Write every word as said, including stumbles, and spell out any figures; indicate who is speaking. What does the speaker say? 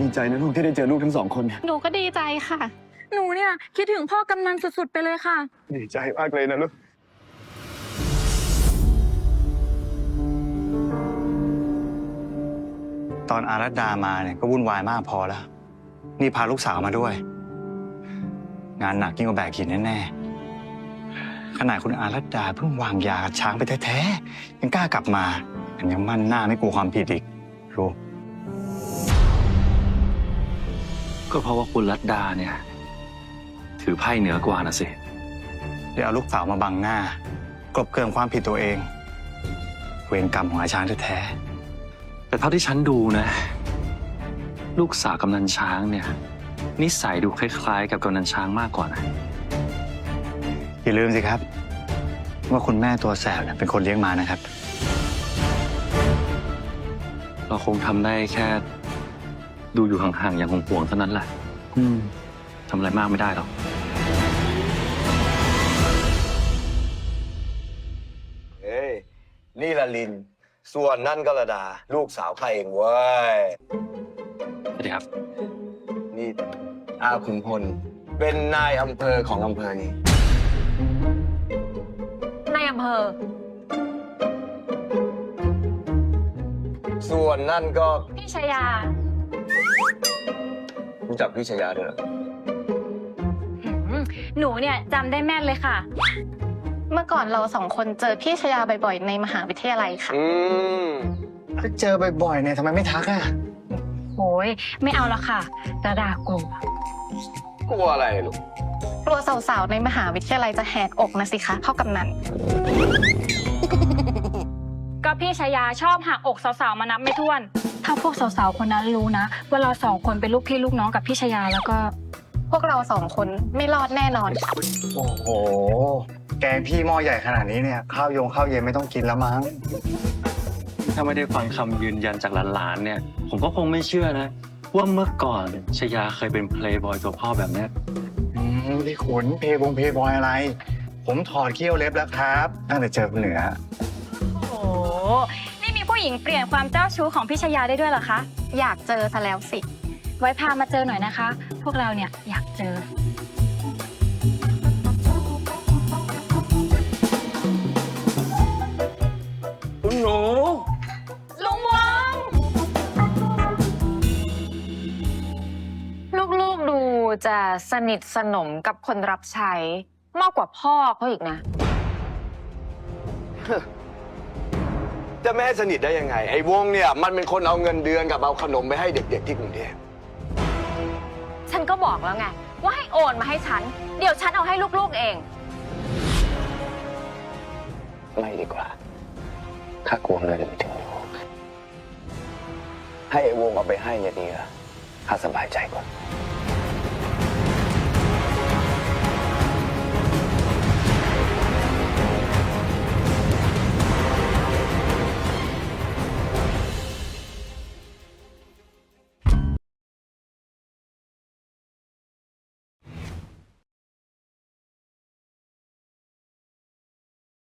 Speaker 1: ดีใจนะลูกที่ได้เจอลูกทั้งสองคนเนี่ย
Speaker 2: หนูก็ดีใจค่ะ
Speaker 3: หนูเนี่ยคิดถึงพ่อกำนันสุดๆไปเลยค่ะ
Speaker 1: ดีใจมากเลยนะลูกตอนอารัตดามาเนี่ยก็วุ่นวายมากพอแล้วนี่พาลูกสาวมาด้วย งานหนักยิ่งกว่าแบกหินแน่ๆขนาดคุณอารัตดาเพิ่งวางยาช้างไปแท้ๆยังกล้ากลับมาอันยังมั่นหน้าไม่กลัวความผิดอีกรู้
Speaker 4: ก็เพราะว่าคุณรัตดาเนี่ยถือไพ่เหนือกว่านะสิ
Speaker 1: เดี๋ยวเอาลูกสาวมาบังหน้ากลบเกลื่อนความผิดตัวเองเวรกรรมของอาช้างแท้ๆ
Speaker 4: แต่เท่าที่ฉันดูนะลูกสาวกำนันช้างเนี่ยนิสัยดูคล้ายๆ กับกำนันช้างมากกว่านะ
Speaker 1: อย่าลืมสิครับว่าคุณแม่ตัวแสบเป็นคนเลี้ยงมานะครับ
Speaker 4: เราคงทำได้แค่ดูอยู่ห่างๆอย่างห่วงๆเท่านั้นแหละ
Speaker 1: อืม
Speaker 4: ทำอะไรมากไม่ได้หรอก
Speaker 5: เฮ้ยนี่ละลินส่วนนั่นก็ระดาลูกสาวใครเองเว้ย
Speaker 4: สวัสดีครับ
Speaker 5: นี่อาขุนพลเป็นนายอำเภอของอำเภอนี้
Speaker 3: นายอำเภอ
Speaker 5: ส่วนนั่นก็
Speaker 3: พี่ชยา
Speaker 5: รู้จักพี่ชยาด้วยเหรอ
Speaker 3: หนูเนี่ยจำได้แม่นเลยค่ะ
Speaker 2: เมื่อก่อนเราสองคนเจอพี่ชยาบ่อยๆในมหาวิทยาลัยค่ะ
Speaker 5: อืม
Speaker 1: ก็เจอบ่อยๆเนี่ยทำไมไม่ทักอ่ะ
Speaker 3: โอ้ยไม่เอาละค่ะระดากลัว
Speaker 5: กลัวอะไรลูก
Speaker 2: กลัวสาวๆในมหาวิทยาลัยจะแหกอกนะสิคะพ่อกำนัน
Speaker 3: ก็พี่ชายาชอบหักอกสาวๆมานับไม่ถ้วนถ้าพวกสาวๆคนนั้นรู้นะว่าเราสองคนเป็นลูกพี่ลูกน้องกับพี่ชายาแล้วก็
Speaker 2: พวกเราสองคนไม่รอดแน่นอนค่ะ
Speaker 1: โอ้โหแกงพี่หม้อใหญ่ขนาดนี้เนี่ยข้าวยงข้าวเย็นไม่ต้องกินแล้วมั้ง
Speaker 4: ถ้าไม่ได้ฟังคำยืนยันจากหลานๆเนี่ยผมก็คงไม่เชื่อนะว่าเมื่อก่อนชยาเคยเป็นเพลย์บอยตัวพ่อแบบนี้
Speaker 1: อืมพี่ขุนเพย์บงเพย์บอยอะไรผมถอดเขี้ยวเล็บแล้วครับตั้งแต่เจอคุณเหนือ
Speaker 3: โอ้โหนี่มีผู้หญิงเปลี่ยนความเจ้าชู้ของพี่ชยาได้ด้วยเหรอคะ
Speaker 2: อยากเจอซะแล้วสิ
Speaker 3: ไว้พามาเจอหน่อยนะคะพวกเราเนี่ยอยากเจอ
Speaker 4: คุณหนู
Speaker 3: ลุงวง
Speaker 6: ลูกๆดูจะสนิทสนมกับคนรับใช้มากกว่าพ่อเขาอีกนะ
Speaker 5: จะไม่ให้สนิทได้ยังไงไอ้วงเนี่ยมันเป็นคนเอาเงินเดือนกับเอาขนมไปให้เด็กๆที่กรุงเทพ
Speaker 6: ฉันก็บอกแล้วไงว่าให้โอนมาให้ฉันเดี๋ยวฉันเอาให้ลูกๆเอง
Speaker 5: ไม่ดีกว่าข้ากลัวเงินไม่ถึงลูกให้ไอ้วงเอาไปให้เนี่ยดีละข้าสบายใจกว่า